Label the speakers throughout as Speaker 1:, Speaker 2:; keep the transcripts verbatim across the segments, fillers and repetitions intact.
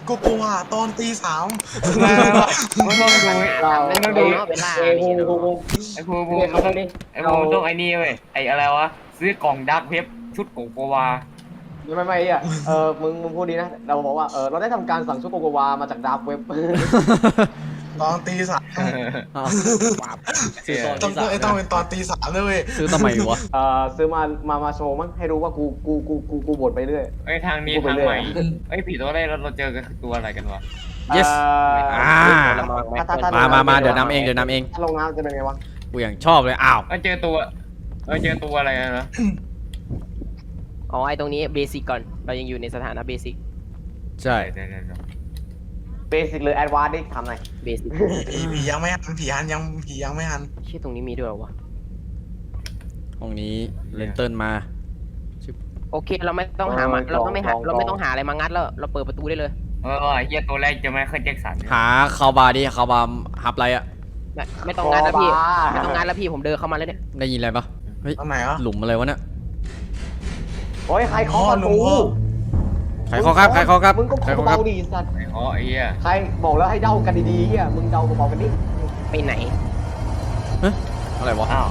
Speaker 1: โกโกวาตอนตีสาม
Speaker 2: มันต้องดู
Speaker 3: เรา
Speaker 2: มันต้องดู
Speaker 3: เวลา
Speaker 2: ไอ้ภูภูมันต้องไอ้ภูมันต้องไอ้นี่เว้ยไอ้อะไรวะซื้อกล่องดักเว็บชุดโกโกวา
Speaker 3: ไม่ไม่อ่ะเออมึงมึงพูดดีนะเราบอกว่าเออเราได้ทำการสั่งชุดโกโกวามาจากดาร์กเว็บ
Speaker 1: ตอนตีสาม
Speaker 4: อ้าวซื้อตอน
Speaker 1: ต้อง
Speaker 4: ที่สาม
Speaker 1: ไอ้ต้องเป็นตอนตีสามเลยเว้ย
Speaker 4: ซื้อทำไมวะ
Speaker 3: เออซื้อมามามาโชว์มั้งให้รู้ว่ากูกูกูกูกูบ่นไปเรื่อย
Speaker 2: ไอ้ทางนี้ทางใหม่ไอ้ผีตัวแรกเราเราเจอกันคือตัวอะไรกันวะ
Speaker 4: yes อ่า
Speaker 3: ถ้ถ้ถ้
Speaker 4: มามามาเดี๋ยวนำเองเดี๋ยวนำเอง
Speaker 3: ถ้าลงน้ำจะเป็นไงวะ
Speaker 4: กูอย่างชอบเลยอ้าว
Speaker 2: เออเจอตัวเออเจอตัวอะไรนะ
Speaker 5: อ๋อไอตรงนี้เบสิกก่อนเรายังอยู่ในสถานะเบสิก
Speaker 4: ใช่
Speaker 2: เดี๋ยวเดี๋ยวเดี๋ยว
Speaker 3: เบสิกหรือแอดวานซ์ดิทำไง
Speaker 5: เบสิก
Speaker 1: ผีผียังไม่หันผีหันยังผียังไม่หัน
Speaker 5: ชื่อตรงนี้มีด้วยเหรอวะ
Speaker 4: ห้องนี้เลนเติ้ลมา
Speaker 5: โอเคเราไม่ต้องหามาเราต้องไม่หาเราไม่ต้องหาอะไรมางัดแล้วเราเปิดประตูได้เลย
Speaker 2: เออไอ้เหี้ยตัวแรกเจะไมเคิลแจ็คสัน
Speaker 4: หาคาวบาร์ดิคาวบาร์ฮับไรอะ
Speaker 5: ไม่ไม่ต้องงัดแล้วพี่ไม่ต้องงัดแล้วพี่ผมเดินเข้ามาแล้วเนี่ย
Speaker 4: ได้ยินอะไรปะเฮ้ย
Speaker 1: ตอนไหนวะ
Speaker 4: หลุมอะไรวะเนี่ย
Speaker 3: โอ้ยใครเคาะประตู
Speaker 4: ใครเคาะครับใครเคาะครับ
Speaker 3: มึงก็
Speaker 4: ใคร
Speaker 3: เคาะ
Speaker 4: เคาะครับ
Speaker 3: เบาดีสัตว์
Speaker 2: ไอ้อ๋อไอ้เหี้ย
Speaker 3: ใครบอกแล้วให้เดากันดีๆเฮียมึงเดาเบาๆกันดิ
Speaker 5: ไปไหน
Speaker 4: อะไรวะ
Speaker 2: อ้าว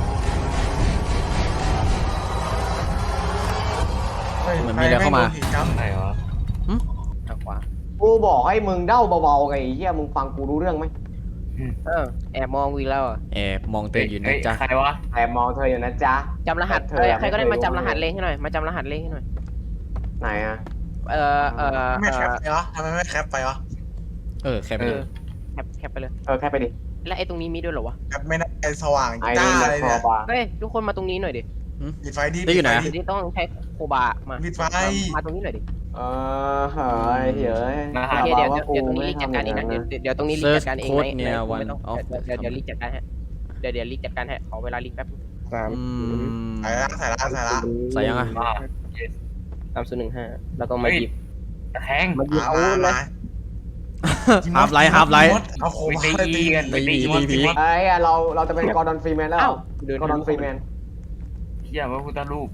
Speaker 4: เหมือนมีอะไรเข้ามา
Speaker 1: ผีจำ
Speaker 2: ไหนวะ
Speaker 5: ทางขวา
Speaker 3: กูบอกให้มึงเดาเบาๆไงไอ้เฮียมึงฟังกูรู้เรื่องไหม
Speaker 5: เออแอบมองวีแล้วอะ
Speaker 4: แอบมองเตือนอยู่นะ
Speaker 2: เฮ้ย
Speaker 4: จ๊ะ
Speaker 2: ใครวะ
Speaker 3: แต่มองเธออยู่นะจ๊ะ
Speaker 5: จำรหัส
Speaker 3: เธอ
Speaker 5: เอ้ย
Speaker 3: ไม่
Speaker 5: ใครก็ได้
Speaker 3: เคย
Speaker 5: มาจำรหัส
Speaker 3: รู้
Speaker 5: เลขให้หน่อยมาจำรหัสเลขให้หน่อย
Speaker 3: ไหนอะ
Speaker 5: เออเออ
Speaker 1: ไม่
Speaker 5: เอ
Speaker 1: แคป
Speaker 5: อ
Speaker 1: ไปวะทำไมไม่แคปไปวะ
Speaker 4: เออแค่ไป
Speaker 5: เอ
Speaker 4: เล
Speaker 5: อย แคปแคปไปเลย
Speaker 3: เออแค่ไปดิ
Speaker 5: แล้วไอ้ตรงนี้มีด้วยเหรอวะ
Speaker 1: แคปไม่ได้สว่าง
Speaker 3: ไอ้
Speaker 1: จ้า
Speaker 3: นี่
Speaker 1: อะไร
Speaker 3: คอ
Speaker 1: เนี่ย
Speaker 3: บา
Speaker 5: เฮ้ยทุกคนมาตรงนี้หน่อยดิ
Speaker 1: ปิดไฟดี
Speaker 4: ได้อยู่ไหน
Speaker 1: ปิ
Speaker 5: เดี๋ยวนี้ต้องใช้โคบามา
Speaker 1: ปิดไฟ
Speaker 5: มาตรงนี้หน่อยดิ
Speaker 3: เออเฮ้ยเฮ้ย
Speaker 5: โอเคเดี๋ยวเดี๋ยวเดี๋ยวตรงนี้รีจัดการเองนะเดี๋ยวเดี๋ยวตรงนี้รีจัดการเองไหมไม่ต้องเดี๋ยวเดี๋ยวรีจัดการให้เดี๋ยวเดี๋ยวรีจัดการให้ขอเวลารีแป๊บสาม
Speaker 4: อืม
Speaker 1: ใส่ละใส่ละใส่ละ
Speaker 4: ใส่ยังอะ
Speaker 2: อ่า
Speaker 5: สามศูนย์หนึ่งห้าแล้วก็มาหยิบ
Speaker 2: แทง
Speaker 5: มาหยิบ
Speaker 1: มา
Speaker 5: เอา
Speaker 1: มา
Speaker 5: เล
Speaker 1: มาย
Speaker 4: ฮับไลท์ฮับไลท์
Speaker 1: เอาโค
Speaker 2: ไป
Speaker 1: มา
Speaker 2: ตีกันไปตี
Speaker 4: ตีผี
Speaker 3: ไอ้เราเราจะเป็นกอร์ดอนฟรีแมนแล้ว
Speaker 5: อ้าวเดิน
Speaker 3: กอร์ดอนฟรีแมน
Speaker 2: เหี้ยพระพุทธรูป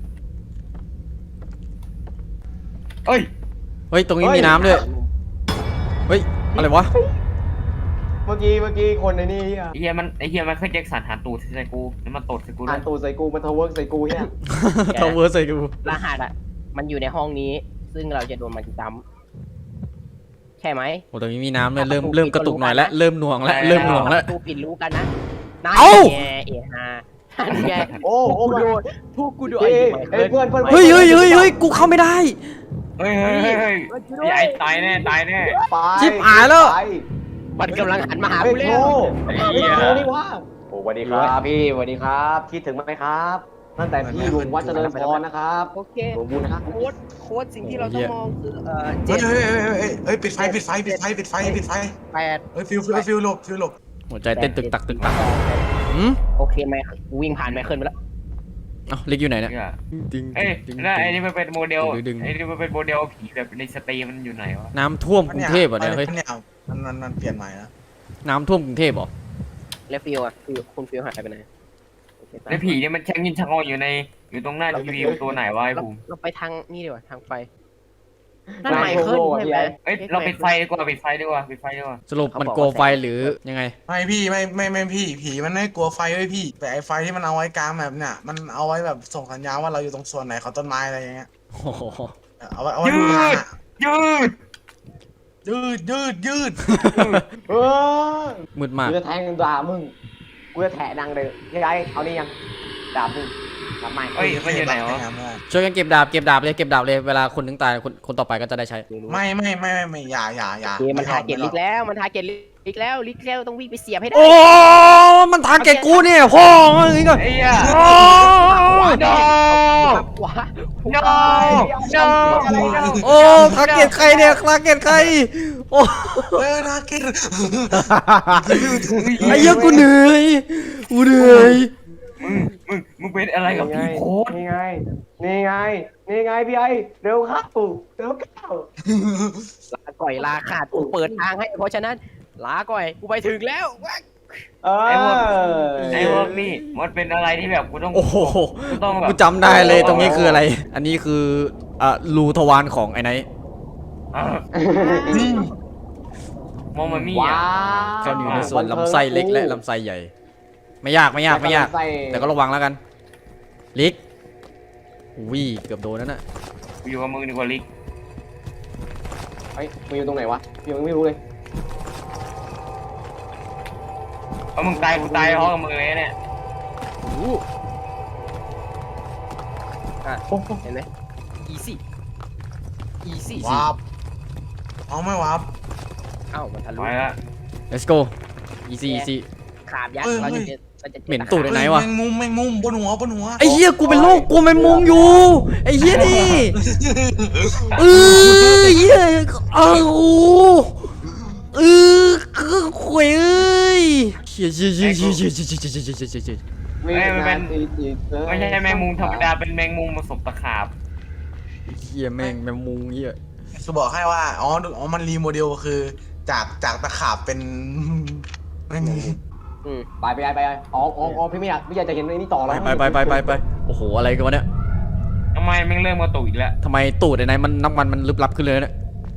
Speaker 2: เอ้ย
Speaker 4: เฮ้ยตรงนี้มีน้ำด้วยเฮ้ยอะไรวะ
Speaker 3: เมื่อกี้เมื่อกี้คนในนี่
Speaker 2: ไอ้เหี้ยมันไอ้เหี้ยไมเคิลแจ็คสันหันตูดใส่กูแล้วมันตดใส่กูด้
Speaker 3: อ่า
Speaker 2: วน ย
Speaker 3: ตูใส่กูมันทาวเวิร์กใส่กูเนี่ย
Speaker 4: ทาวเวอร์ใส่กู
Speaker 5: รหัสอ่ะมันอยู่ในห้องนี้ ซึ่งเราจะโดนมันจำใช่ไหม
Speaker 4: โอ้ตรงนี้มีน้ำเลยเริ่มเริ่มกระตุกหน่อยแล้วเริ่มหน่วงแล้วเริ่มหน่วงแล้ว
Speaker 5: ตูปิดรู้กันนะนาย
Speaker 4: เอ้า
Speaker 5: แงเอฮานั่นไง
Speaker 3: โอ้โอ้
Speaker 5: กู
Speaker 3: มา
Speaker 5: โดนพวกกูโดน
Speaker 3: เฮ้ยเฮ้ยเพื่อนเพื่อน
Speaker 4: เฮ้ยเฮ้ยเฮ้ยเฮ้ยกูเข้าไม่ได้
Speaker 2: เฮ้ยเฮ้ยเฮ้ยเฮ้ยไอ้ไอ้ตายแน่ตายแน่
Speaker 3: ไป
Speaker 4: ชิบหายแล้ว
Speaker 3: ไป
Speaker 5: มันกำลังหันมาหา
Speaker 3: เฮ้ย
Speaker 5: กูแล้
Speaker 3: โท
Speaker 5: ว
Speaker 2: ไอ้
Speaker 3: เฮ้ย
Speaker 2: เหี้ย
Speaker 3: โทนี่ว่าโอ้สวัสดีครับพี่สวัสดีครับ คิดถึงไหมครับตั้งแต่พี่อยู่วัดเจริญพรนะครับ
Speaker 5: โอเค
Speaker 3: สมบูรณ์นะครับ
Speaker 5: โค้ดโค้ดสิ่งที่เราต้องมองคือเอ่อ
Speaker 1: เฮ้
Speaker 5: เจ็
Speaker 1: ย
Speaker 5: ด
Speaker 1: เฮ้ยเฮ้ยเฮ้ยเฮ้ยปิดไฟปิดไฟปิดไฟปิดไฟปิดไฟ
Speaker 5: แปด
Speaker 1: เฮ้ยฟิวฟิวฟิวหลบฟิวหลบ
Speaker 4: หัวใจเต้นตึกตักตึกตักหืม
Speaker 5: โอเคไหมกูวิ่งผ่านไมเคิลไปแล้ว
Speaker 4: เอ้าลิกอยู่ไหนเนี่ย
Speaker 2: เนี่ย
Speaker 4: ดึง
Speaker 2: เอ้ย
Speaker 4: ดึง
Speaker 2: แล้วไอ้นี่มันเป็นโมเดล
Speaker 4: ดึง
Speaker 2: ไอ้นี่มันเป็นโมเดลผีแบบในสตรีมมันอยู่ไหนวะ
Speaker 4: น้ำท่วมกรุงเทพเหรอ่ะเนี่ยเฮ้ย
Speaker 1: เนี่ยมันมันมันเปลี่ยนใหม่แล้ว
Speaker 4: น้ำท่วมกรุงเทพเหรอ
Speaker 5: แล้วฟิวอ่ะฟิวคุณฟิวหายไปไหนโอเค
Speaker 2: แล้วผีเนี่ยมันแช่งยินชังออยู่ในอยู่ตรงหน้าทีวีตัวไหนวะไอ้
Speaker 5: เรา
Speaker 2: ภูมิ
Speaker 5: เราไปทางนี่ดีกว่าทางไฟนั่นไมเคิลใช่ไหม
Speaker 2: เอ้ยเราปิดไฟดีกว่าปิดไฟดีกว่าปิดไฟดีกว่า
Speaker 4: สรุปมันโกไฟหรือยังไง
Speaker 1: ไม่พี่ไม่ไม่ไม่พี่ผีมันไม่กลัวไฟเว้ยพี่แต่ไอ้ไฟที่มันเอาไว้กลางแบบเนี่ยมันเอาไว้แบบส่งสัญญาณว่าเราอยู่ตรงส่วนไหนของต้นไม้อะไรอย่างเงี้ย
Speaker 4: โอ้โห
Speaker 1: เอาไว้เอาไว้ดูทางอะ
Speaker 2: ยืด
Speaker 1: ยืดยืดยืด
Speaker 3: เออ
Speaker 4: มืดมาก
Speaker 3: กูจะแทงด่ามึงกูจะแถดังเลยยังไงเอานี่ยังด่ามึงทำไม
Speaker 2: เอ้ยมันอยู่ไหนวะ
Speaker 4: ช่วยกันเก็บดาบเก็บดาบเลยเก็บดาบเลยเวลาคนนึงตายคนคนต่อไปก็จะได้ใช้
Speaker 1: ไม่ไม่ไม่ไม่ไม่อย่าอย่าอย่า
Speaker 5: เกมมันทาร์เก็ตลิกแล้วมันทาร์เก็ตลิกแล้วลิกแล้วต้องวิ่งไปเสียบให้ได้
Speaker 4: โอ้มันทาร์เก็ตกูเนี่ยพ่ออย่างงี้ก่อน
Speaker 2: ไอ้เหี้ย
Speaker 4: โอ้
Speaker 2: no
Speaker 5: ขวา
Speaker 2: no no
Speaker 4: โอ้ทาร์เก็ตใครเนี่ยทาร์เก็ตใครโอ้
Speaker 1: เออนาเกต
Speaker 4: ไอ้เหี้ยกูเหนื่อยกูเหนื่อย
Speaker 2: มึงมึงมึงเป็นอะไรกับพี่โค้ด
Speaker 3: นี่ไงนี่ไงนี่ไงพี่ไอเร็วเข้าเร็วเข้า
Speaker 5: ลาก่อยลาขาดกูเปิดทางให้เพราะฉะนั้นลาก่อยกูไปถึงแล้ว
Speaker 3: เออ
Speaker 2: ไอ้พวกไอ้พวกนี่มันเป็นอะไรที่แบบกูต้อง
Speaker 4: โอ้โห
Speaker 2: กูต้องแบบ
Speaker 4: กูจำได้เลยตรงนี้คืออะไร อันนี้คืออ่ะรูทวารของไอ้ไนท์
Speaker 2: อ่ะ
Speaker 1: นี่
Speaker 2: มองมันมี
Speaker 3: ว้า
Speaker 2: อ่ะ
Speaker 3: ว
Speaker 4: ซ่อนอยู่ในส่วนลำไส้เล็กและลำไส้ใหญ่ ไม่ยากไม่ยากไม่ยาก
Speaker 3: ลำส้
Speaker 4: แต่ก็ระวังแล้วกันลิกอุ้ยเกือบโดนนั่นน่ะ
Speaker 2: กูอยู่กับมึงดีกว่าลิก
Speaker 3: เฮ้ยมึงอยู่ตรงไหนวะพี่ยังไม่รู้เลย
Speaker 2: เพราะมึงตายกูตายเพราะกับมึงเลยเนี่ย
Speaker 5: โอ้โหอ่ะเห็นไหม easy easy
Speaker 1: วาร์ปเอาไม่วาร์ป
Speaker 5: เอ้ามันทะลุ
Speaker 2: ไปละ
Speaker 4: let's go easy easy
Speaker 5: ขาบยักษ์
Speaker 1: เอ้ย
Speaker 5: เราจะเจอเราจะจอ
Speaker 4: เหม็นตูด ไหนวะ
Speaker 1: แมงมุมแมงมุมบนหัวบนหัว
Speaker 4: ไอ้เหี้ยกูเป็นโรคกลัวแมงมุมอยู่ไอ้เหี้ยนี่เออเหี้ยเอ้าเออคือขวยเอ้ยเหี้ยเหี้ยเหี้ยเหี้ยเหี้ยเหี้ยเหี้ยเหี้ยเหี้ยเหี้ยเหี้ย
Speaker 3: ไม่
Speaker 2: เอ้ยมันเป็น
Speaker 3: ไม่
Speaker 2: ไม่ใช่แมงมุมธรรมดาเป็นแมงมุมผสมตะขาบ
Speaker 4: เหี้ยแม่งแมงมุมเหี้ย
Speaker 1: คือบอกให้ว่าอ๋ออ๋อมันรีโมเดลคือจากจากตะขาบเป็นแมงมุม
Speaker 5: อืม
Speaker 3: ไปไปไปไปอ๋ออ๋ออ๋อพี่ไม่อยากพี่อยากจะเห็นไอ้นี่ต่อ
Speaker 4: ไป
Speaker 3: แล้ว
Speaker 4: ไปไปไปไปไปโอ้โหอะไรกันวะเนี่ย
Speaker 2: ทำไมแม่งเริ่มมาตุอีกแล้ว
Speaker 4: ทำไมตูดไอ้ไหนมันน้ำมันมันลึกลับขึ้นเลยเนี่ย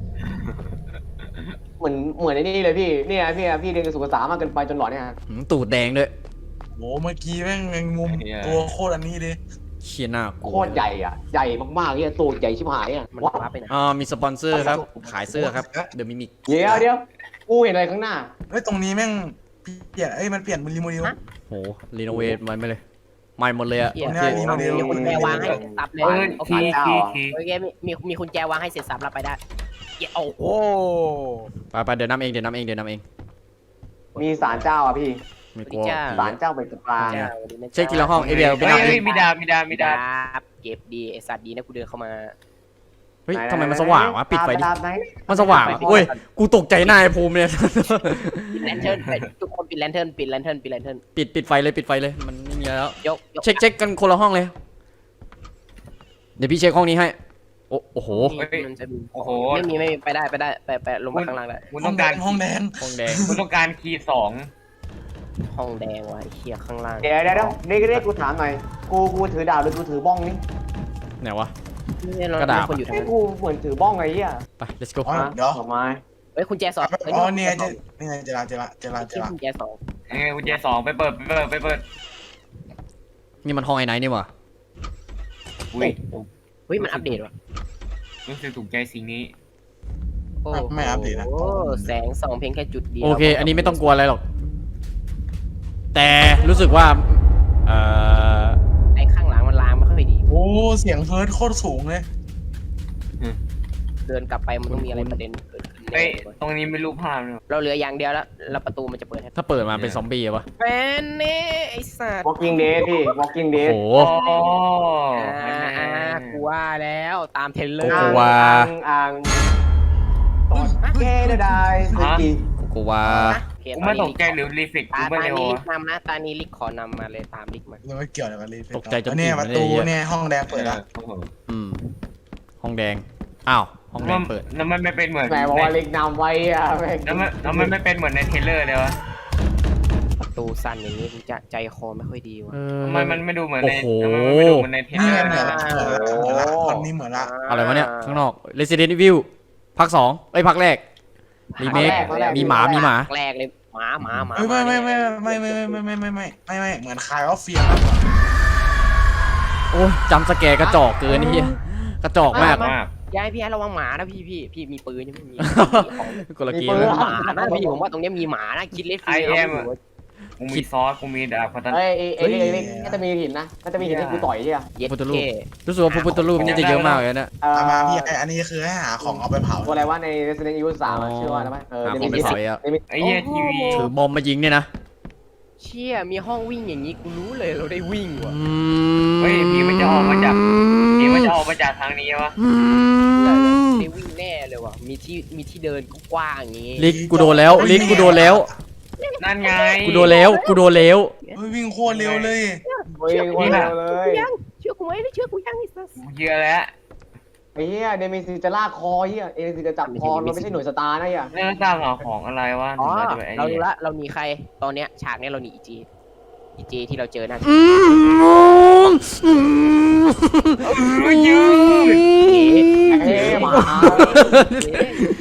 Speaker 3: เหมือนเหมือนไอ้นี่เลยพี่เนี่ยพี่พี่เรียนกระสุนภาษามากเกินไปจนหลอนเนี่ย
Speaker 4: หืมตูดแดงด้วย
Speaker 1: โหเมื่อกี้แม่งแมงมุมตัวโคตรอันนี้เลย
Speaker 4: เชี่ยหน้ากลั
Speaker 3: โคว ตรใหญ่อ่ะใหญ่มากๆเนี่ยตัวใหญ่ชิบหายอ่ะ
Speaker 5: มัน
Speaker 3: ว้า
Speaker 5: ว้าไปไหน
Speaker 4: อ่ามีสปอนเซอร์ครับขายเสื้อครับเดอะมิมิก
Speaker 3: เดี๋ยวเดี๋ยวกูเห็นอะไรข้างหน้า
Speaker 1: เฮ้ยตรงนี้แม่งเปลี่ยนเอ้ยมันเปลี่ยนเป็นรีโมเดล
Speaker 4: โหรีโนเวทมันไปเลยใหม่หมดเลยอะ
Speaker 5: เหี้ย
Speaker 1: ตรงนี้รีโมเดล
Speaker 5: มีกุญแจวางให้เสร็จสับเลย
Speaker 2: เออ
Speaker 5: โอเค
Speaker 2: ทีทีที
Speaker 5: โอเคมีมีมีกุญแจวางให้เสร็จสับรับไปได้เหี้ยโอ้โห
Speaker 4: ไปไปเดี๋ยวน้ำเองเดี๋ยวน้ำเองเดี๋ยวน้ำเอง
Speaker 3: มีศาลเจ้าอ่ะพี่
Speaker 4: ไม่กลัว
Speaker 3: ศาลเจ้าเป็นตะปลา
Speaker 5: จ้า
Speaker 4: เช็คทีละห้องเอเบียไป
Speaker 2: เฮ้
Speaker 4: นั
Speaker 2: ย
Speaker 4: บ
Speaker 2: เฮ้ยมีดาบมีดาบมี
Speaker 5: มี
Speaker 2: ดา
Speaker 5: ดา
Speaker 2: บบ
Speaker 5: เก็บดีไอสัตว์ดีนะกูเดินเข้ามา
Speaker 4: เฮ้ยทำไมมันสว่างวะปิดไฟดิ
Speaker 3: ดาบไหน
Speaker 4: มันสว่างเว้ยกูตกใจหน้าไอ้ภูมิเนี่ย
Speaker 5: ปิดแลนเทิร์นทุกคนปิดแลนเทิร์นปิดแลนเทิร์นปิดแลนเทิร์น
Speaker 4: ปิดปิดไฟเลยปิดไฟเลยมันไม่มีอะไรแล้ว
Speaker 5: ยกยก
Speaker 4: เช็คเช็คกันคนละห้องเลย เดี๋ยวพี่เช็คห้องนี้ให้โอ้โอ้โห
Speaker 5: มันจะมี
Speaker 2: โอ้โห
Speaker 5: ไม่มีไม่มีไปได้ไปได้ไปไปลงมาข้างล่างได้
Speaker 2: คุณ
Speaker 1: ห้อ
Speaker 2: ต้อง ง
Speaker 1: แด
Speaker 2: การ
Speaker 1: งห้องแดง
Speaker 4: ห้องแดง
Speaker 2: คุณต้องการคีย์สอง
Speaker 5: ห้องแดงว่ะไอ้เหี้ยข้างล่าง
Speaker 3: เดี๋ยวเดี๋ยวเดี๋ยวนี่ก็ได้กูถามหน่อยกูกูถือดาบหรือกูถือบ้องนี่
Speaker 4: ไหนวะ
Speaker 5: นี่เรา
Speaker 4: กระดาษ
Speaker 5: มีคนอยู่ทาง
Speaker 3: ไอ้
Speaker 5: นั้น
Speaker 3: กูเหมือนถือบ้องไงเหี้ย
Speaker 4: ไป let's go
Speaker 1: อ๋อเดี๋ยว
Speaker 3: ดอกไม้
Speaker 5: เฮ้ยคุณแจสองเฮ้ย
Speaker 1: อ๋อเนี่ยจะนี่ไงเจราเจราเจราเจ
Speaker 5: ที่
Speaker 1: รา
Speaker 5: คุณแจสอง
Speaker 2: เออกุญแจสองไปเปิดไปเปิดไปเปิด
Speaker 4: นี่มันห้องไอ้ไหนนี่หวะ
Speaker 2: อุ้ย
Speaker 5: เฮ้ยมันอัปเดตว่ะ
Speaker 2: รู้สึกถูกใจสิ่งนี้
Speaker 5: โอ้
Speaker 1: ไม่อัปเดตนะ
Speaker 5: โอ้แสงส่องเพียงแค่จุดเดียว
Speaker 4: โอเค อันนี้ไม่ต้องกลัวอะไรหรอก แต่รู้สึกว่าเอ่อ
Speaker 5: ไอ้ข้างหลังมันลางไม่ค่อยดี
Speaker 1: โอ้เสียงเฮิร์ตโคตรสูงเลย
Speaker 5: เดินกลับไปมันต้องมีอะไรประเด็นเกิดขึ้น
Speaker 2: เฮ้ย
Speaker 5: แน่เลย
Speaker 2: ตรงนี้ไม่รู้ภาพเลย
Speaker 5: เราเหลืออย่างเดียวแล้วแล้วประตูมันจะเปิดให้
Speaker 4: ถ้าเปิดมาเป็นซอมบี้อะวะ
Speaker 5: แฟนเน่ไอ้สัตว์
Speaker 3: walking dead พี่ walking
Speaker 4: โอ้
Speaker 3: dead
Speaker 4: โห
Speaker 2: โอ้
Speaker 5: อ่าอ่ากูว่าแล้วตามเทรลเลอ
Speaker 4: โก
Speaker 5: ร์
Speaker 4: โกวา
Speaker 3: อ่างอ่างตอนแกได้ได้สกี
Speaker 4: โกโกวา
Speaker 5: โอเค
Speaker 2: กูไม่ตกใจหรือรีเฟก
Speaker 5: ตา
Speaker 2: กูไม่
Speaker 5: ตา
Speaker 2: เร็ว
Speaker 5: นี้ลิ
Speaker 2: อะ
Speaker 5: กนำนะตานี้ลิกขอนำมาเลยตามลิกมา
Speaker 1: ยังไม่เกี่ยวอะไรกันเลย
Speaker 4: ตกใจจน
Speaker 1: เนี่ย
Speaker 4: อิ่ม
Speaker 1: ประ
Speaker 4: เลย
Speaker 1: ตู
Speaker 4: เนี่ย
Speaker 1: เนี่ยห้องแดงเปิดละ
Speaker 2: โอ้โห
Speaker 4: อืมห้องแดงอ้าวห้องแดงเปิด
Speaker 2: แล้วมันไม่เป็นเหมือน
Speaker 3: แหมบอกว่าเล็กนำไว้อะแม่ง
Speaker 2: แล้วมันแล้วมันไม่เป็นเหมือนในเทรลเลอร์เลยวะ
Speaker 5: ประตูสั่นอย่างนี้กูจะใจคอไม่ค่อยดีว่ะ
Speaker 4: เออ
Speaker 2: ทำไมมันไม่ดูเหมือนใน
Speaker 4: โอ้โห
Speaker 2: ทำไมมันไม่ดูเหมือนในเทรล
Speaker 1: นี่
Speaker 2: เลอ
Speaker 1: ไง
Speaker 2: ร์
Speaker 1: เหมือนละเหมือนละเหมือนละตอนนี้เหมือนละ
Speaker 4: อะไรวะเนี่ยข้างนอก Resident Evil ภาคสองเอ้ยภาคแรกรีเมคมีหมามีหมา
Speaker 5: แรกเลยหมาหมาหมา
Speaker 1: ไม่ไม่ไม่ไม่ไม่ไม่ไม่ไม่ไม่ไม่ไม่ไม่เหมือนคายออฟเฟียมากกว่า
Speaker 4: โอ้ยจำสแกร์กระจอกเกินนี่เหี้ยกระจอกมาก
Speaker 2: มาก
Speaker 5: ยายพี่ให้ระวังหมานะพี่พี่พี่มีปืนยังไม่มี
Speaker 4: คนละเก
Speaker 3: มี
Speaker 4: ม
Speaker 3: ปืน
Speaker 4: แล้ว
Speaker 5: หมานะพี่ผมว่าตรงนี้มีหมานะคิดเล็ก
Speaker 2: ไอเอ็มกูมีซอสกูมีดาบพัฒนา
Speaker 3: เอ้ยไอ้ไอ้ไอ้น่าจะมีหินนะน่าจะมีหินให้กูต่อยใช่ไหม
Speaker 5: เย็ด
Speaker 4: พุทธรูป
Speaker 5: เท่
Speaker 4: รู้สึกว่าพระพุทธรูปนี่จะเยอะมากเลยนะ
Speaker 3: เอ่อ
Speaker 1: เอามาพี่ไอ้อันนี้คือให้หาของเอาไปเผา
Speaker 3: ตัวอะไรว่าใน Resident Evil สามอะชื่อว่าอะไรวะเออ
Speaker 4: หา
Speaker 3: เด
Speaker 4: ของ
Speaker 3: มิ
Speaker 4: ไป
Speaker 3: สิ
Speaker 4: เผาอ่ะ
Speaker 3: เดมิ
Speaker 2: ไอ้เหี้ยทีวี
Speaker 4: ถือบอมมายิงเนี่ยนะ
Speaker 5: เชี่ยมีห้องวิ่งอย่างนี้กูรู้เลยเราได้วิ่งว่ะ
Speaker 2: เฮ้ยผีมันจะออกมาจากผีมันจะออกมาจากทางนี้วะ
Speaker 5: ได้วิ่งแน่เลยว่ะมีที่มีที่เดินกว้างๆอย่างงี้
Speaker 4: ลิกกูโดนแล้วลิกกูโดนแล้ว
Speaker 2: นั่นไง
Speaker 4: กูโดนแล้วกูโดนแล้ว
Speaker 1: เฮ้ยวิ่งโคตรเร็วเลย
Speaker 3: เฮ้ยคนเดียวเลย
Speaker 5: ยังเชื่อกูไหมเชื่อกูยังไอ้สัส
Speaker 2: กูเชื่อแล้ว
Speaker 3: ไอ้เหี้ยเดมิสิจะลากคอเหี้ยเอเดมิสิจะจับคอเราไม่ใช่หน่วยสตาร์นะเหี้ย
Speaker 2: เรื่องสร้างหาของอะไรวะ
Speaker 5: อ๋อ
Speaker 2: เราจะไปไอ้
Speaker 5: เรา
Speaker 2: นี่
Speaker 5: รู้ละเราหนีใครตอนเนี้ยฉากเนี้ยเราหนีอีจีอีจีที่เราเจอนั่น
Speaker 4: อืมอืม
Speaker 2: เฮ้ยยืด
Speaker 5: เจ๊
Speaker 3: เอ้ยหมา
Speaker 5: เจ๊เจ๊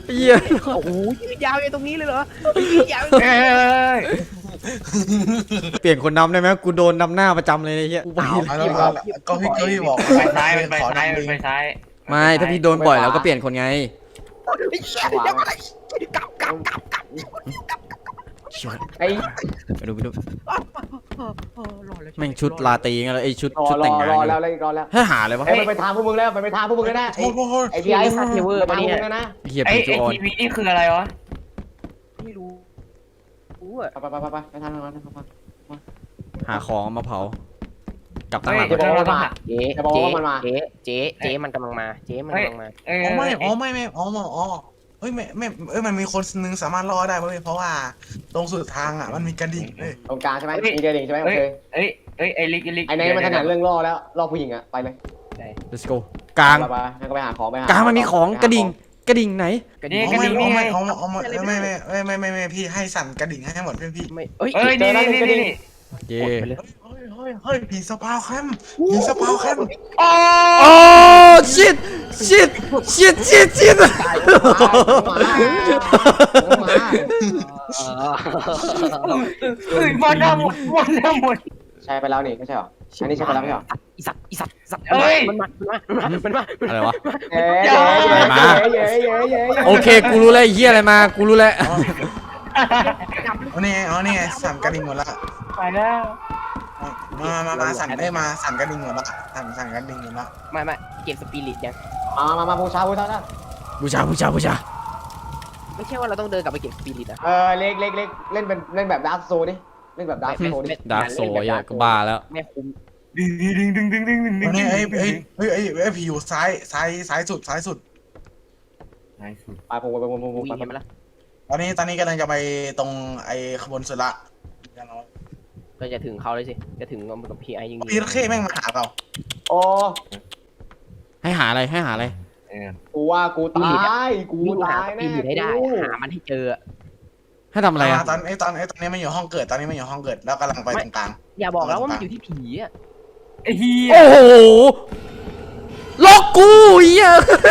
Speaker 4: เหี้ย
Speaker 5: โอ้โหยาวไอ้ตรงนี้เลยเหรอยาว
Speaker 2: เอ้ย
Speaker 4: เปลี่ยนคนนำได้ไหมกูโดนนำหน้าประจำเลยไอ้เหี้ยกูไป
Speaker 1: เอาแล้วก็ก็พี่ก็พี่บอก
Speaker 2: ไปซ้ายมันไปซ้ายมันไปซ้าย
Speaker 4: ไม่ถ้าพี่โดนบ่อยแล้วก็เปลี่ยนคนไง
Speaker 5: ยังอะไรกลับกลับกลับกลับ
Speaker 3: ไอ้
Speaker 4: ไปดูไปดู
Speaker 5: รอแล้ว
Speaker 4: แม่งชุดลาตรีไงแล้วไอ้ชุด
Speaker 3: รอ
Speaker 4: ชุด
Speaker 3: ร
Speaker 4: แต่
Speaker 3: อง
Speaker 4: งงาน
Speaker 3: รอ
Speaker 4: ไง
Speaker 3: แล้วเลยรอแล้ว
Speaker 4: ให้หาเลยวะ
Speaker 3: ไอ้มันไปทางพวกมึงแล้วมันไปทางพวกมึงแล้วนะ
Speaker 1: โอ้โห
Speaker 3: ไอ้พี่ไอ้
Speaker 5: ซัดเทเวอร์
Speaker 3: ไป
Speaker 5: มา
Speaker 3: ทางพว
Speaker 5: เนี่
Speaker 3: ก
Speaker 5: ย
Speaker 3: มึงแล้วนะ
Speaker 4: เหี้ย
Speaker 2: ไอ้
Speaker 4: ผีจู
Speaker 2: ไอ้
Speaker 4: ออน
Speaker 2: ทีวีนี่คืออะไรวะ
Speaker 5: ไม่รู้รู้อะ
Speaker 3: ไปไปไปไปไปทางนั้นไป
Speaker 4: หาของเอามาเผา กลับตั้งหลัง
Speaker 3: เดี๋ยวบอกว่ามันมา
Speaker 5: เจ๊
Speaker 3: จะบอก
Speaker 5: เจ๊
Speaker 3: ว่ามันมา
Speaker 5: เจ๊เจ๊เจ๊มันกำลังมาเจ๊มันกำลังมา
Speaker 2: เอ้ย
Speaker 1: อ๋อไม่อ๋อไม่ไม่อ๋ออ๋อเฮ้ยไม่ไม่เอ้ยมันมีคนนึงสามารถรอดได้เว้ยเพราะว่าตรงสุดทางอ่ะมันมีกระดิ่งเลย
Speaker 3: ตรงกลางใช่ไหมมีเดียดิ่งใช่ไหมโอ
Speaker 2: เอ้ย
Speaker 3: เค
Speaker 2: เอ้ยเอ้ยไอ้ลิกไอ้ลิก
Speaker 3: ไอ้นายมันถนัดเรื่องล่อแล้วล่อผู้หญิงอะไปเลย
Speaker 4: let's go กลาง
Speaker 3: ไปไปงั้นก็ไปหาของไปหาก
Speaker 4: ลางมันมีของกระดิ่งกระดิ่งไหน
Speaker 2: นี่
Speaker 1: อ๋
Speaker 2: กระ
Speaker 1: อไม่
Speaker 2: ดิ่ง
Speaker 1: อ๋
Speaker 2: นี่
Speaker 1: อ
Speaker 2: ไง
Speaker 1: ไม่อ๋ออ๋อไม่ไม่ไม่ไม่ไม่ไม่พี่ให้สั่นกระดิ่งให้หมดเพื่อนพี่
Speaker 5: ไม่เอ้ย
Speaker 2: เอ้ยนี่นี่นี่นี่
Speaker 4: เย่
Speaker 5: ไปเลย
Speaker 1: เฮ้ยเฮ้ยเฮ้ยผีสปาวแคมผีสปาวแคม
Speaker 2: โอ้
Speaker 4: โอ้ shit shit shit shit shit
Speaker 2: เอ้ยมาดามหมดมาดามหมด
Speaker 3: ใช่ไปแล้วนี่ไม่ใช่หรออันนี้ใช่ไปแล้วไม่ใช่หรอ
Speaker 5: อีสัตว์อีสัตว์อีสัตว์
Speaker 2: เอ้ย
Speaker 5: มันมามันมามันมา
Speaker 4: อะไรวะ
Speaker 3: เย้เย้เย้เย้เย้เย้เย้
Speaker 4: โอเคกูรู้แล้วไอ้เหี้ยอะไรมากูรู้แล้ว
Speaker 1: อ๋อนี่ไงอ๋อนี่ไงสั่นกระดิ่งหมดละ
Speaker 2: ไปแล้ว
Speaker 1: มามามาสั่นได้มาสั่นกระดิ่งหมดละสั่นสั่นกระดิ่งหมดละ
Speaker 5: ไม่ไม่เกมสปิริตยัง
Speaker 3: มามามาบูชาบูชา
Speaker 4: บูชาบูชาบูชา
Speaker 5: ไม่ใช่ว่าเราต้องเดินกลับไปเก็บสปิริตอะ
Speaker 3: เออเล็กเล็กเล็กเล่นเป็นเล่นแบบดาร์กโซดิเล่นแบบดาร์กโซดิ
Speaker 4: ดาร์กโซยอะก็บ้าแล้ว
Speaker 5: ไม่คุ้ม
Speaker 2: ดึงดึงดึงดึงดึงดึงดึง
Speaker 1: นี่ไอ้ไอ้ไอ้ไอ้ไอ้ผีอยู่ซ้ายซ้ายซ้ายสุดซ้ายสุด
Speaker 2: ไหนสุด
Speaker 3: ไปผมไปผมผมผม
Speaker 5: วิ่ง
Speaker 3: ไป
Speaker 5: เห็นไหมล่ะ
Speaker 1: ตอนนี้ตอนนี้กำลังจะไปตรงไอ้ขบวนสุดละ
Speaker 5: ก็จะถึงเขาเลยสิจะถึงกับพีไอยิง
Speaker 1: พี่ระเข้แม่งมาหาเรา
Speaker 3: โอ้
Speaker 4: ให้หาอะไรให้หาอะไร
Speaker 2: เออ
Speaker 3: กูว่ากูตายกู
Speaker 5: วิ่งหา
Speaker 3: ตาย
Speaker 5: ส
Speaker 3: แน่
Speaker 5: ปิริตให้ได้หามันให้เจอ
Speaker 4: ให้ทำอะไรอะ
Speaker 1: ตอนไอ้ตอนไอ้ตอนนี้มันอยู่ห้องเกิดตอนนี้มันอยู่ห้องเกิดแล้วกำลังไปตรงกลาง
Speaker 5: อย่าบอกแล้วว่ามันอยู่ที่ผีอะ
Speaker 2: ไอ้เหี้ย
Speaker 4: โอ้โหล็อกกูเหี้ย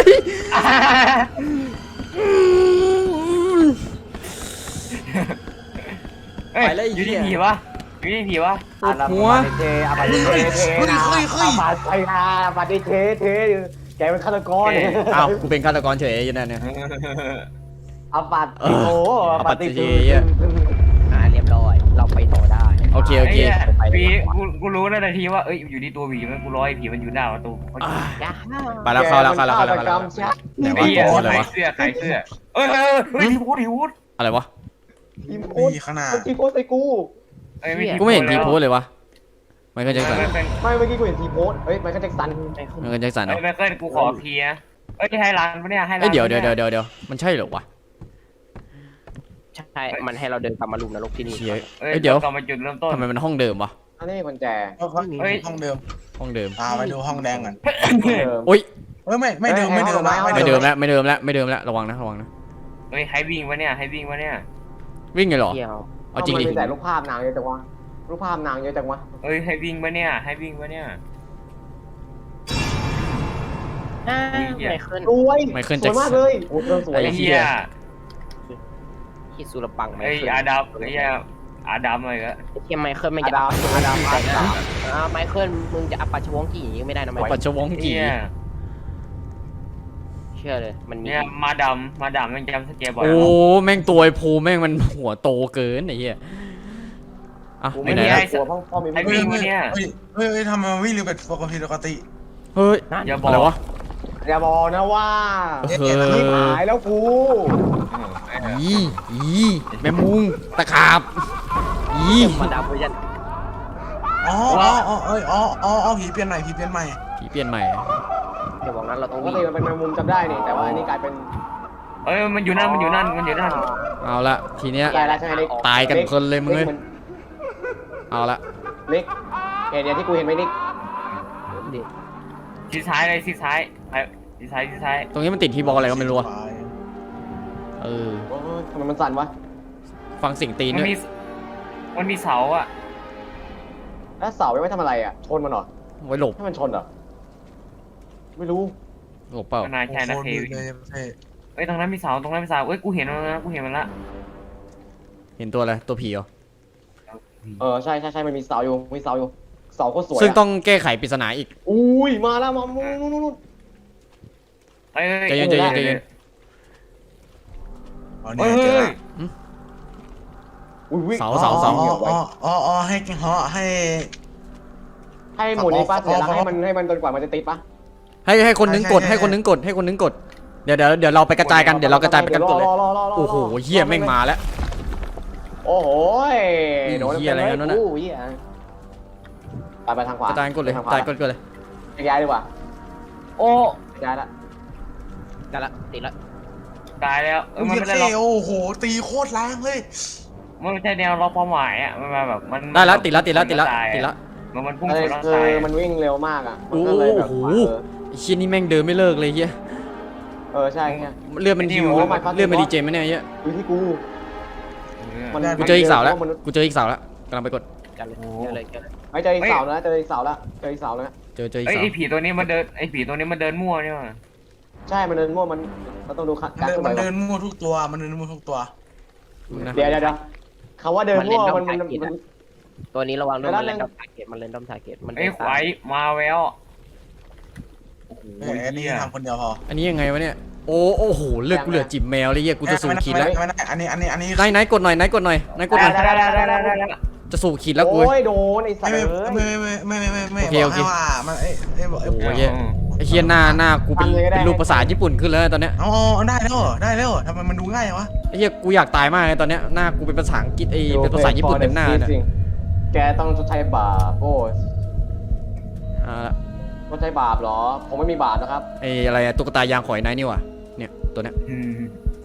Speaker 2: เอ้ยอยู่ที่ผีวะอยู่ที่ผีวะ
Speaker 4: หัว
Speaker 3: เทอาบัติเทเทนะอาบัติไทยนาอาบัติเทเทแกเป็นฆาตกร
Speaker 4: อ้าวกูเป็นฆาตกรเฉยอยู่นั่นเนี่ย
Speaker 3: อาบัติโอ้อาบัติ
Speaker 5: อ่าเรียบร้อยเราไปต่อได้
Speaker 4: โอเคโอเค
Speaker 2: ผีกูกูรู้แล้วนาทีว่าเอ้ยอยู่ที่ตัวผีมันกูรอไอ้ผีมันอยู่หน้าประตู
Speaker 4: อ่า
Speaker 5: จ้า
Speaker 4: ไปแล้วเข้าแล้วเข้าแล้วเข้าแล้วเข้าแล้วไหน
Speaker 2: ไอ้
Speaker 4: วะ
Speaker 2: เหี้ย
Speaker 4: ตัวอะไร
Speaker 2: ใคร
Speaker 4: วะ
Speaker 2: เสื้อใครเสื้อเอ้ยเอ้ยเฮ้ยทีพูดทีพูด
Speaker 4: อะไรวะ
Speaker 3: ทีมโค้
Speaker 1: นี่ข้างหน้า
Speaker 3: ทีโค้ใส่กู
Speaker 2: เอ้ยไม่
Speaker 4: กูไม่เห็นทีโพสเลยวะไมเคิลแจ็คสัน
Speaker 2: ไม่เป็น
Speaker 3: ไม่เมื่อกี้กูเห็นทีโพสเฮ้ยมันก็แจ็คสัน
Speaker 4: ไมเคิลแจ็คสันเหร
Speaker 2: เอ้
Speaker 4: อย
Speaker 2: ไม่เคยกูขอเคลียร์เอ้ยให้ร้านปะเนี่ยให้ร้าน
Speaker 4: เอ้ยเดี๋ยวเดี๋ยวเดี๋ยวเดี๋ยวเดี๋ยวมันใช่เหรอวะ
Speaker 5: ใช่มันให้เราเดินกลับมาลุมนรกที่นี่
Speaker 4: เชี่ย
Speaker 2: เอ้ย
Speaker 4: เอ้ยเดี๋ยว
Speaker 2: กลับมาจุดเริ่มต้น
Speaker 4: ทำไมมันห้องเดิมวะ
Speaker 3: อันนี้กุญแจ
Speaker 1: เฮ้ยห้องเดิม
Speaker 4: ห้องเดิม
Speaker 1: อ่าไปดูห้องแดงก่อน
Speaker 4: โอ้ย
Speaker 1: เฮ้ยไม่ไม่เดิมไม่เดิม
Speaker 4: ไม่เดิมแล้วไม่เดิมแล้วไม่เดิมแล้วระวังนะระวังนะ
Speaker 2: เฮ้ยให้วิ่งวะเนี่ยให้วิ่งวะเนี่ย
Speaker 4: วิ่งไงเหรอ
Speaker 5: เที่ยว
Speaker 4: เอาจริงดิ
Speaker 3: มันมีแต่รูปภาพนางเยอะจังวะรูปภาพนางเยอะจังวะ
Speaker 2: เอ้ยให้วิ่งวะเนี่ยให้วิ่งวะเนี่ย
Speaker 5: อ่าไม่ขึ้น
Speaker 3: รวย
Speaker 4: ไมเคิล
Speaker 3: ส
Speaker 4: แจ็
Speaker 3: ว
Speaker 4: ค
Speaker 3: ย
Speaker 4: สั
Speaker 3: มาก
Speaker 4: น
Speaker 3: เลยโอ้เรื่องสวย
Speaker 2: ไอ้เหี้ย
Speaker 5: คิดสุรปังไม่
Speaker 2: ไอ้
Speaker 5: ขึ้น
Speaker 2: อาดัมไอ้เหี้ยอาดัมอะไรก็
Speaker 5: เทียมไมเคิลไม่
Speaker 3: อา
Speaker 5: จะ
Speaker 3: ดามอาดามอาดาม
Speaker 5: อ่าไมเคิลมึงจะอัปปัชวงกี่อย่างงี้ไม่ได้นะไม
Speaker 4: ปั
Speaker 5: เคิ
Speaker 4: จ
Speaker 5: ล
Speaker 4: จวงกี
Speaker 2: เนี่ย
Speaker 5: เชื่อเลยมันมี
Speaker 2: เนี่ยมาดามมาดามมันจำสเกลบ่อย
Speaker 4: โอ้แม่งตัวไอ้ภูแม่งมันหัวโตเกินไอ้เหี้ยอ่ะ
Speaker 3: กู
Speaker 4: ไป
Speaker 3: ไม่
Speaker 4: ไหน
Speaker 3: ได้
Speaker 4: นะ
Speaker 3: กลัวพ่อพ่อมี
Speaker 2: ให้
Speaker 3: ไม่
Speaker 2: วิ่งวะเนี่ย
Speaker 1: เฮ้ยเฮ้ยเฮ้ยทำไมวิ่งเร็วเป็นปกติปกติ
Speaker 4: เฮ้ย
Speaker 2: อย่าบอก
Speaker 4: อะไรวะ
Speaker 3: อย่าบอกนะว่า
Speaker 4: เอ
Speaker 3: ที่
Speaker 4: อ
Speaker 3: หายแล้วกู
Speaker 4: อีอีแม่มุงตะขาบอี
Speaker 5: มาดามเวอร์ชัน
Speaker 1: อ๋ออ๋ออ๋อเอ้ยอ๋ออ๋ออ๋อผีเปลี่ยนใหม่ผีเปลี่ยนใหม่
Speaker 4: ผีเปลี่ยนใหม่
Speaker 5: เดี๋ยวบอกนั้นเราต้อง
Speaker 3: ปก
Speaker 5: วิ่ง
Speaker 3: ติมันเป็นแมงมุมจำได้นี่แต่ว่าอันนี้กลายเป็น
Speaker 2: เอ้ยมันอยู่นั่นมันอยู่นั่นมันอยู่นั่น
Speaker 4: เอาละทีเนี้ย
Speaker 3: ตายแล้วใช่ไหมเล็ก
Speaker 4: ตายกันคนเลยมึงเลย
Speaker 3: กน
Speaker 4: เอาละ
Speaker 3: เล็กเห็นอย่างที่กูเห็นไหมเล็ก
Speaker 5: ดิ
Speaker 2: ชิดซ้ายเลยชิดซ้ายไปชิดซ้ายชิดซ้าย
Speaker 4: ตรงนี้มันติดที่บอลอะไรก็ไม่รู้อะเออ
Speaker 3: โอ้ยทำไมมันสั่นวะ
Speaker 4: ฟังเสียงตีน
Speaker 2: มัน
Speaker 4: ด้วย
Speaker 2: มีมันมีเสาอ่ะ
Speaker 3: แล้วเสาไว้ทำอะไรอ่ะชนมันเหรอ
Speaker 4: ไว้หลบ
Speaker 3: ให้มันชนเหรอไม่รู้
Speaker 4: หลบเปล่า
Speaker 2: นายแค่นาเท
Speaker 1: เลยเท่
Speaker 2: เอ้ยตรงนั้นมีเสาตรงนั้นมีเสาเอ้ยกูเห็นมันแล้วกูเห็นมันละ
Speaker 4: เห็นตัวอะไรตัวผีเหรอ
Speaker 3: เออใช่ใช่ใช่มันมีเสาอยู่มีเสาอยู่เสาโคตรสวย
Speaker 4: ซึ่งต้องแก้ไขปริศนาอีก
Speaker 3: อุ้ยมาแล้วมานู่นนู่นนู่น
Speaker 2: เอ้ย
Speaker 4: ใจเย็นใจเย็นใจเย็น
Speaker 1: อ๋อ
Speaker 2: เฮ้
Speaker 1: เนี่ย
Speaker 2: ย
Speaker 1: เจอ
Speaker 2: เฮ้
Speaker 1: ละ
Speaker 2: ย
Speaker 3: อุ้ยวิ่ง
Speaker 4: เสาเสาเสา
Speaker 1: อ๋ออ๋ออ๋ออ๋อให้เหาะให้
Speaker 3: ให้หมุนในป้าเสียแล้วให้มันให้มันจนกว่ามันจะติดปะ
Speaker 4: ให้ให้คนนึงกดให้คนนึงกดให้คนนึงกดเดี๋ยวเดี๋ยวเดี๋ยวเราไปกระจายกันเดี๋ยวเรากระจายไปกันกดเลยโอ้โหเหี้ยแม่งมาแล้ว
Speaker 3: โอ้โห
Speaker 4: นี่
Speaker 3: โดน
Speaker 4: เหี้ยอะไรกันวะเนี่ย
Speaker 3: อู้เหี้ยไปไปทางขวาก
Speaker 4: ระจายกดเลยกระจายกดกดเลย
Speaker 3: ย้ายดีกว่า
Speaker 2: โอ้
Speaker 3: ย้ายละ
Speaker 5: ได้ละติดละ
Speaker 2: ตายแล้วเออ
Speaker 1: มัน
Speaker 2: มัน
Speaker 1: เย
Speaker 2: ไม่ได้ล็อก
Speaker 1: โอ้โหตีโคตรแรงเลย
Speaker 2: มันไม่ใช่แนวล็อกเป้าหมายอ่ะมันมาแบบมัน
Speaker 4: ได้แล้วติดแล้วติดแล้วติดแล้วติดแล้ว
Speaker 2: มันมันพุ่ง
Speaker 3: เอ
Speaker 2: ช
Speaker 3: อน
Speaker 2: แล้ว
Speaker 3: คือ
Speaker 2: ตาย
Speaker 3: มันวิ่งเร็วมากอ่ะมัน
Speaker 4: โอ้
Speaker 3: ก็เลยแบบ
Speaker 4: โห
Speaker 3: เออ
Speaker 4: ไอ้เชี่ยนี่แม่งเดินไม่เลิกเลยเฮีย
Speaker 3: เออใช่ไง
Speaker 4: เลือดมันฮิว
Speaker 3: โอ้ my god
Speaker 4: เลือดมันดีเจไหมเนี่ยเฮีย
Speaker 3: ดูที่กู มัน
Speaker 4: กูเจออีกเสาแล้วกูเจออีกเสาแล้วกำลังไปกด
Speaker 5: จัดเลยเจอเลยเจอเลย
Speaker 3: ไม่เจออีกเสาแล้วเจออีกเสาแล้วเจออีกเสาแล้ว
Speaker 4: เจอเจออีก
Speaker 2: ไอ้
Speaker 4: เสา
Speaker 2: ไอ้ผีตัวนี้มันเดินไอ้ผีตัวนี้มันเดินมั่วเนี่ยว่ะ
Speaker 3: ใช่มันเดินมั่วมันเราต้องดูการ
Speaker 1: มัน
Speaker 3: เคลื่อนไหว
Speaker 1: เดินมั่วทุกตัวมันเดินมั่วทุกตัว
Speaker 4: นะ
Speaker 3: เดี๋ยวเดี๋ยวเดี๋ยวคำว่าเดินมั่วมันมันมัน
Speaker 5: ตัวนี้ระวังด้วย
Speaker 3: แล้
Speaker 5: มั
Speaker 3: วน
Speaker 5: เล่น
Speaker 3: เล่น
Speaker 5: ดอมทาร์เก็ตมันเล่นดอมทาร์เก็ตมัน
Speaker 2: ไอ้ควายมาแววโอ้โห
Speaker 1: เอออันนี้
Speaker 2: เหี้ย
Speaker 1: ทำคนเดียวพอ
Speaker 4: อันนี้ยังไงวะเนี่ยโอ้โอ้โหเลือดกูเหลือจิบแมวเลยเฮียกูจะสูบขีดแล้ว
Speaker 1: ไม่ได้อันนี้อันนี้อันนี้
Speaker 4: ไหนไหนกดหน่อยไหนกดหน่อยไหนกดหน่อย
Speaker 2: ได้ได้ได้ได้ได้ได้
Speaker 4: จะสูบขีดแล้วกู
Speaker 3: โอ้ยโดนไอ้สัต
Speaker 1: ไม่
Speaker 3: ว์
Speaker 1: ไม่
Speaker 3: เอ้ย
Speaker 1: ไม่ไม่ไม่ไม่ไม่
Speaker 4: โอเคโอเค
Speaker 1: บอกให้ว่ามันเอ้ยเอ้ยบอก
Speaker 4: โอ้โหเฮียไอ้เฮียหน้าหน้ากูเป็นเป็นรูปภาษาญี่ปุ่นขึ้นแล้วตอนเนี้ย
Speaker 1: อ๋อได้แล้วได้แล้วทำไมมันดูง่ายวะ
Speaker 4: ไอ้เฮียกูอยากตายมากเลยตอนเนี้ยหน้ากูเป็นภาษาอังกฤษไอ้เป็นภาษาญี่ปุ่นเต็มหน้าเนี่ย
Speaker 3: แกต้องชดใช้บาปโอ้ย
Speaker 4: อ่า
Speaker 3: ชดใช้บาปเหรอผมไม่มีบาปนะครับ
Speaker 4: ไอ้อะไรอะตุ๊กตายางขอยไนท์นี่หว่ะเนี่ยตัวเนี้ย
Speaker 2: อืม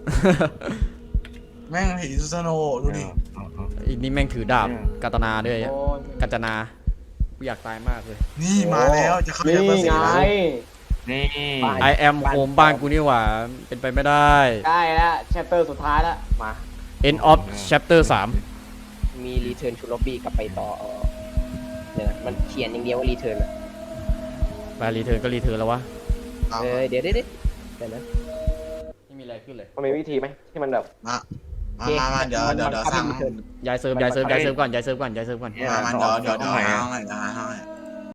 Speaker 1: แม่งผีซูซานโนดูดิ
Speaker 4: ไอ้นี่แม่งถือดาบกาตนาด้วยอะ
Speaker 3: โอ้ย
Speaker 4: กาจนากูอยากตายมากเลย
Speaker 1: นี่มาแล้วจะเข้า
Speaker 3: นี่
Speaker 1: เดือน
Speaker 3: ไง
Speaker 1: แล้ว
Speaker 2: นี่
Speaker 4: I am home บ้านกูนี่หว่าเป็นไปไม่ได้
Speaker 3: ได้แล้วแชปเตอร์สุดท้ายแล้วมา
Speaker 4: End of chapter สาม
Speaker 5: มีรีเทิร์นชูล็อบบี้กลับไปต่อเออเดี๋ยวนะมันเขียนอย่างเดียวว่ารีเทิร์นอะ
Speaker 4: ไปรีเทิร์นก็รีเทิร์นแล้ววะ
Speaker 5: เออเดี๋ยวเดี๋ยวเดี๋ยวเดี๋ยวนะ
Speaker 4: ไม่มีอะไรขึ้นเลย
Speaker 3: มันมีวิธีไหมที่มันแบบ
Speaker 1: มามามามาเดี๋ยวเดี๋ยวเดี๋ยวสั่ง
Speaker 4: ย้ายเซิร์ฟย้ายเซิร์ฟย้ายเซิร์ฟก่อนย้ายเซิร์ฟก่อนย้ายเซิร์ฟก่อน
Speaker 1: มามาเดี๋ยวเดี๋ยวเดี๋ยวหาให้เดี๋ยวหาให้